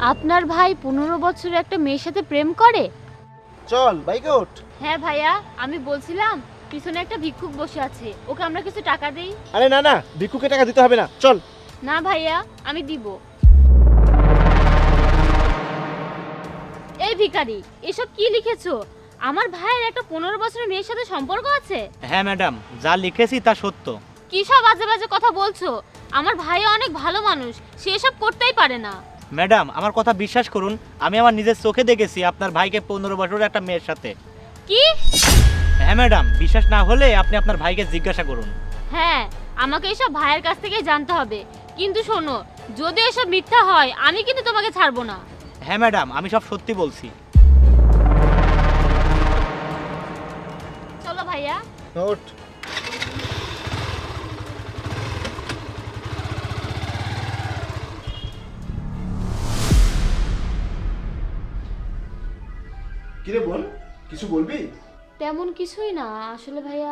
আপনার ভাই 15 বছরে একটা মেয়ের সাথে প্রেম করে? চল বাইকে ওঠ। হ্যাঁ ভাইয়া, আমি বলছিলাম পিছনে একটা ভিক্ষুক বসে আছে, ওকে আমরা কিছু টাকা দেই। আরে না না, ভিক্ষুকে টাকা দিতে হবে না, চল। না ভাইয়া, আমি দিব। এই ভিখারি, এসব কি লিখেছো? আমার ভাইয়ের একটা 15 বছরের মেয়ের সাথে সম্পর্ক আছে? হ্যাঁ ম্যাডাম, যা লিখেছি তা সত্য। কি সব বাজে বাজে কথা বলছো? আমার ভাই অনেক ভালো মানুষ, সে এসব করতেই পারে না। ম্যাডাম, আমার কথা বিশ্বাস করুন, আমি আমার নিজের চোখে দেখেছি আপনার ভাইকে 15 বছরের একটা মেয়ের সাথে। কি? হ্যাঁ ম্যাডাম, বিশ্বাস না হলে আপনি আপনার ভাইকে জিজ্ঞাসা করুন। হ্যাঁ, আমাকে এসব ভাইয়ের কাছ থেকেই জানতে হবে। কিন্তু শোনো, যদি এসব মিথ্যা হয় আমি কিন্তু তোমাকে ছাড়বো না। হ্যাঁ ম্যাডাম, আমি সব সত্যি বলছি। চলো ভাইয়া। ওঠ। কিরে বল, কিছু বলবি? তেমন কিছুই না আসলে ভাইয়া,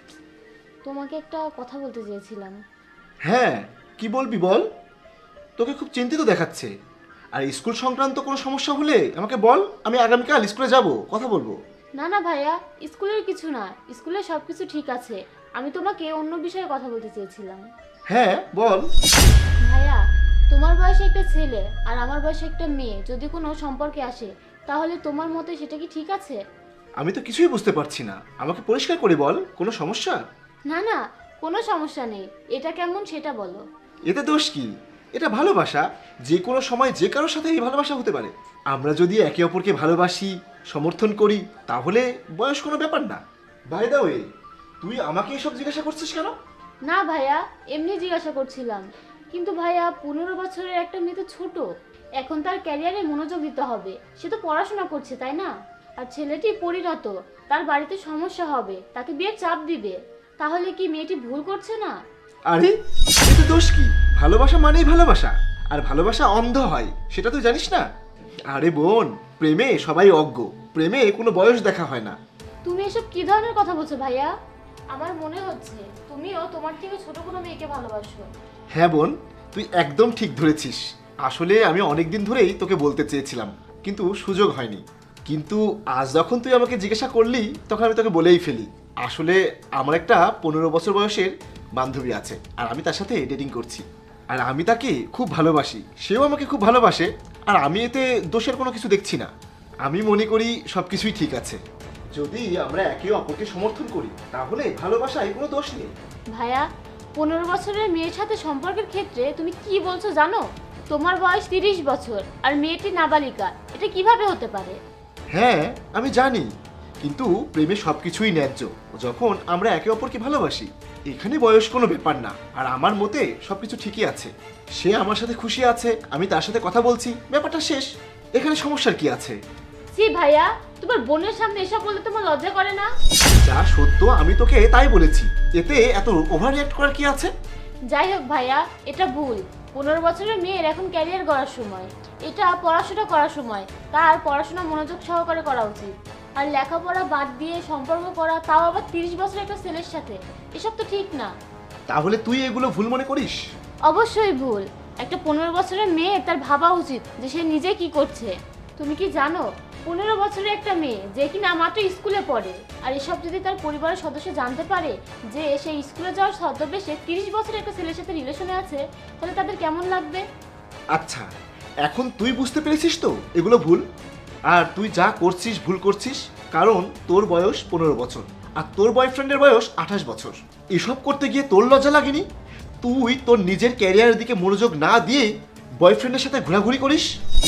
তোমাকে একটা কথা বলতে চেয়েছিলাম। হ্যাঁ, কি বলবি বল। তোকে খুব চিন্তিত দেখাচ্ছে। আর স্কুল সংক্রান্ত কোনো সমস্যা হলে আমাকে বল, আমি আগামীকাল স্কুলে যাব, কথা বলবো। না না ভাইয়া, স্কুলের কিছু না, স্কুলে সব কিছু ঠিক আছে। আমি তোমাকে অন্য বিষয়ে কথা বলতে চেয়েছিলাম। হ্যাঁ বল। ভাইয়া, তোমার বয়সে একটা ছেলে আর আমার বয়সে একটা মেয়ে যদি কোনো সম্পর্কে আসে, তাহলে তোমার মতে সেটা কি ঠিক আছে? আমি তো কিছুই বুঝতে পারছি না, আমাকে পরিষ্কার করে বল, কোনো সমস্যা? না না, কোনো সমস্যা নেই। এটা কেমন সেটা বলো। এতে দোষ কি? এটা ভালোবাসা, যে কোনো সময় যে কারোর সাথে এই ভালোবাসা হতে পারে। আমরা যদি একে অপরকে ভালোবাসি, সমর্থন করি, তাহলে বয়স কোনো ব্যাপার না। বাই দা ওয়ে, তুই আমাকে এসব জিজ্ঞাসা করছিস কেন? না ভাইয়া, এমনি জিজ্ঞাসা করছিলাম। কিন্তু ভাইয়া, 15 বছরের একটা মেয়ে তো ছোট, এখন তার ক্যারিয়ারে মনোযোগ দিতে হবে। সে তো পড়াশোনা করছে, তাই না? আর ছেলেটি পরিণত, তার বাড়িতে সমস্যা হবে, তাকে বিয়ের চাপ দিবে। তাহলে কি মেয়েটি ভুল করছে না? আরে এতে দোষ কি? ভালোবাসা মানেই ভালোবাসা, আর ভালোবাসা অন্ধ হয়, সেটা তুই জানিস না? আরে বোন, প্রেমে সবাই অজ্ঞ, প্রেমে কোনো বয়স দেখা হয় না। তুমি এসব কি ধরনের কথা বলছো ভাইয়া? আমার মনে হচ্ছে তুমিও তোমার থেকে ছোট কোনো মেয়েকে ভালোবাসো। হ্যাঁ বোন, তুই একদম ঠিক ধরেছিস। আসলে আমি অনেক দিন ধরেই তোকে বলতে চেয়েছিলাম, কিন্তু সুযোগ হয়নি। কিন্তু আজ যখন তুই আমাকে জিজ্ঞাসা করলি, তখন আমি তোকে বলেই ফেলি। আসলে আমার একটা 15 বছর বয়সের বান্ধবী আছে, আর আমি তার সাথে ডেটিং করছি। আর আমি তাকে খুব ভালোবাসি, সেও আমাকে খুব ভালোবাসে। আর আমি এতে দোষের কোনো কিছু দেখছি না। আমি মনে করি সব কিছুই ঠিক আছে। যদি আমরা একে অপরকে সমর্থন করি, তাহলে ভালোবাসায় কোনো দোষ নেই। ভাইয়া, 15 বছরের মেয়ের সাথে সম্পর্কের ক্ষেত্রে তুমি কি বলছো জানো? তোমার বয়স 30 বছর আর মেয়েটি নাবালিকা, এটা কিভাবে হতে পারে? হ্যাঁ আমি জানি, কিন্তু প্রেমে সবকিছুই ন্যায্য যখন আমরা একে অপরকে ভালোবাসি। এখানে বয়স কোনো ব্যাপার না, আর আমার মতে সবকিছু ঠিকই আছে। সে আমার সাথে খুশি আছে, আমি তার সাথে কথা বলছি, ব্যাপারটা শেষ। এখানে সমস্যার কি আছে? জি ভাইয়া, তোমার বোনের সামনে এসব বলতে তোমার লজ্জা করে না? যা সত্য আমি তোকে তাই বলেছি, এতে এত ওভার রিঅ্যাক্ট করার কি আছে? যাই হোক ভাইয়া, এটা ভুল। 15 বছরের মেয়ের এখন ক্যারিয়ার গড়ার সময়, এটা পড়াশোনা করার সময়। তার পড়াশোনা মনোযোগ সহকারে করা উচিত। আর লেখাপড়া বাদ দিয়ে সম্পর্ক করা, তাও আবার 30 বছরের একটা ছেলের সাথে, এসব তো ঠিক না। তাহলে তুই এগুলো ভুল মনে করিস? অবশ্যই ভুল। একটা 15 বছরের মেয়ে, তার ভাবা উচিত যে সে নিজে কি করছে। তুমি কি জানো, 15 বছরের একটা মেয়ে যে কিনা মাত্র স্কুলে পড়ে, আর এসব যদি তার পরিবারের সদস্য জানতে পারে যে সে স্কুলে যাওয়ার ছদ্মবেশে 30 বছরের একটা ছেলের সাথে রিলেশনে আছে, তাহলে তাদের কেমন লাগবে? আচ্ছা, এখন তুই বুঝতে পেরেছিস তো এগুলো ভুল। আর তুই যা করছিস ভুল করছিস, কারণ তোর বয়স 15 বছর আর তোর বয়ফ্রেন্ডের বয়স 28 বছর। এসব করতে গিয়ে তোর লজ্জা লাগেনি? তুই তোর নিজের ক্যারিয়ারের দিকে মনোযোগ না দিয়ে বয়ফ্রেন্ডের সাথে ঘোরাঘুরি করিস।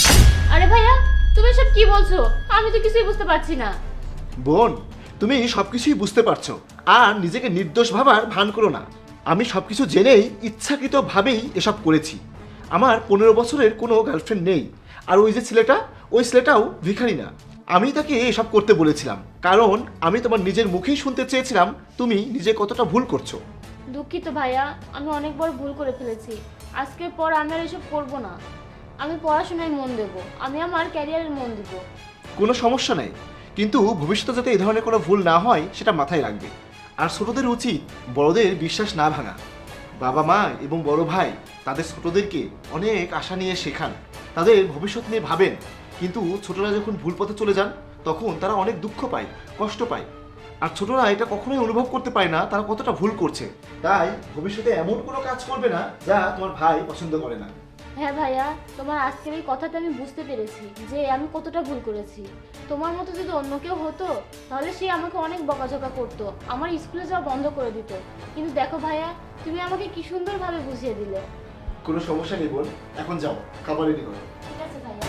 আরে ভাইয়া, তুমি এসব কি বলছো? আমি তো কিছুই বুঝতে পারছি না। বোন, তুমি সবকিছুই বুঝতে পারছো, আর নিজেকে নির্দোষ ভাবার ভান করো না। আমি সবকিছু জেনেই ইচ্ছাকৃতভাবেই এসব করেছি। আমার 15 বছরের কোনো গার্লফ্রেন্ড নেই, আর ওই যে ছেলেটা, ওই ছেলেটাও ভিখারি না। আমি তাকে এসব করতে বলেছিলাম, কারণ আমি তোমার নিজের মুখেই শুনতে চেয়েছিলাম তুমি নিজে কতটা ভুল করছো। দুঃখিত ভাইয়া, আমি অনেক বড় ভুল করে ফেলেছি। আজকের পর আমি আর এসব করবো না। আমি পড়াশোনায় মন দেব, আমি আমার ক্যারিয়ারে মন দেব। কোনো সমস্যা নেই, কিন্তু ভবিষ্যতে যাতে এই ধরনের কোনো ভুল না হয় সেটা মাথায় রাখবে। আর ছোটদের উচিত বড়দের বিশ্বাস না ভাঙা। বাবা মা এবং বড় ভাই তাদের ছোটদেরকে অনেক আশা নিয়ে শেখান, তাদের ভবিষ্যৎ নিয়ে ভাবেন, কিন্তু ছোটরা যখন ভুল পথে চলে যান তখন তারা অনেক দুঃখ পায়, কষ্ট পায়। আর ছোটরা এটা কখনোই অনুভব করতে পারে না তারা কতটা ভুল করছে। তাই ভবিষ্যতে এমন কোনো কাজ করবে না যা তোমার ভাই পছন্দ করে না। হ্যাঁ ভাইয়া, তোমার আজকের এই কথাতে আমি বুঝতে পেরেছি যে আমি কতটা ভুল করেছি। তোমার মতো যদি অন্য কেউ হতো তাহলে সে আমাকে অনেক বকাঝকা করতো, আমার স্কুলে যাওয়া বন্ধ করে দিত। কিন্তু দেখো ভাইয়া, তুমি আমাকে কি সুন্দরভাবে বুঝিয়ে দিলে। কোনো সমস্যা নেই বোন, এখন যাও খাবার রেডি করো। ঠিক আছে ভাইয়া।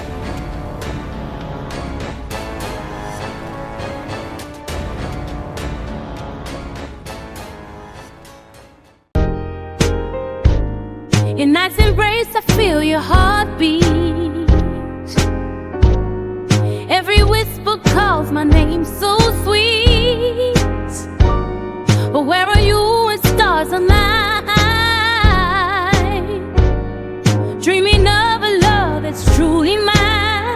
In night's embrace, I feel your heartbeat. Every whisper calls my name so sweet. But where are you when stars align? Dreaming of a love that's truly mine.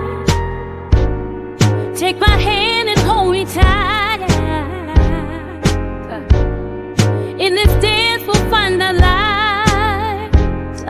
Take my hand and hold me tight. In this day